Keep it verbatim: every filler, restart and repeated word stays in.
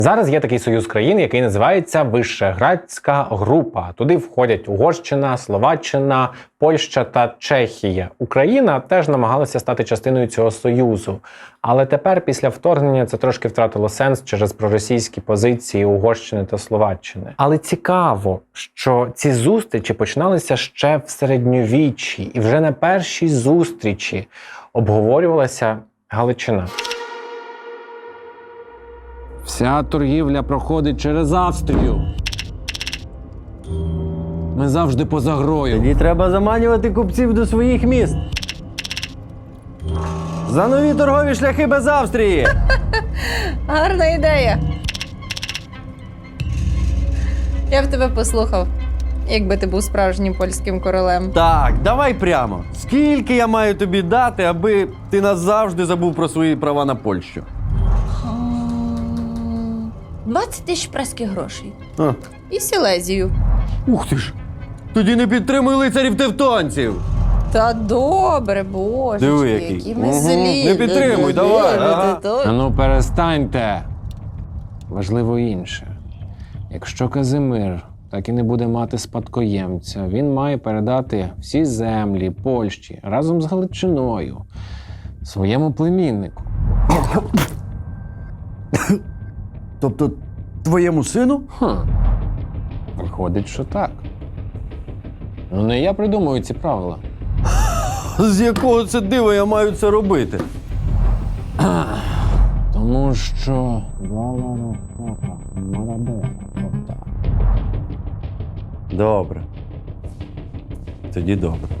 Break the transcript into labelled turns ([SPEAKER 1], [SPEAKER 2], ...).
[SPEAKER 1] Зараз є такий союз країн, який називається Вишеградська група. Туди входять Угорщина, Словаччина, Польща та Чехія. Україна теж намагалася стати частиною цього союзу. Але тепер, після вторгнення, це трошки втратило сенс через проросійські позиції Угорщини та Словаччини. Але цікаво, що ці зустрічі починалися ще в середньовіччі. І вже на першій зустрічі обговорювалася Галичина.
[SPEAKER 2] Вся торгівля проходить через Австрію. Ми завжди поза грою.
[SPEAKER 3] Тоді треба заманювати купців до своїх міст. За нові торгові шляхи без Австрії!
[SPEAKER 4] Гарна ідея. Я б тебе послухав, якби ти був справжнім польським королем.
[SPEAKER 3] Так, давай прямо. Скільки я маю тобі дати, аби ти назавжди забув про свої права на Польщу?
[SPEAKER 4] двадцять тисяч праських грошей.
[SPEAKER 3] А.
[SPEAKER 4] І Сілезію.
[SPEAKER 3] Ух ти ж! Тоді не підтримуй лицарів тевтонців!
[SPEAKER 4] Та добре, божечки,
[SPEAKER 3] Диви, який.
[SPEAKER 4] які ми
[SPEAKER 3] Угу.
[SPEAKER 4] злі.
[SPEAKER 3] Не підтримуй, давай, ага.
[SPEAKER 2] А ну перестаньте. Важливо інше. Якщо Казимир так і не буде мати спадкоємця, він має передати всі землі Польщі разом з Галичиною своєму племіннику.
[SPEAKER 3] Тобто твоєму сину?
[SPEAKER 2] Хм. Виходить, що так. Ну не я придумую ці правила.
[SPEAKER 3] З якого це дива я маю це робити?
[SPEAKER 2] Тому що...
[SPEAKER 3] Добре. Тоді добре.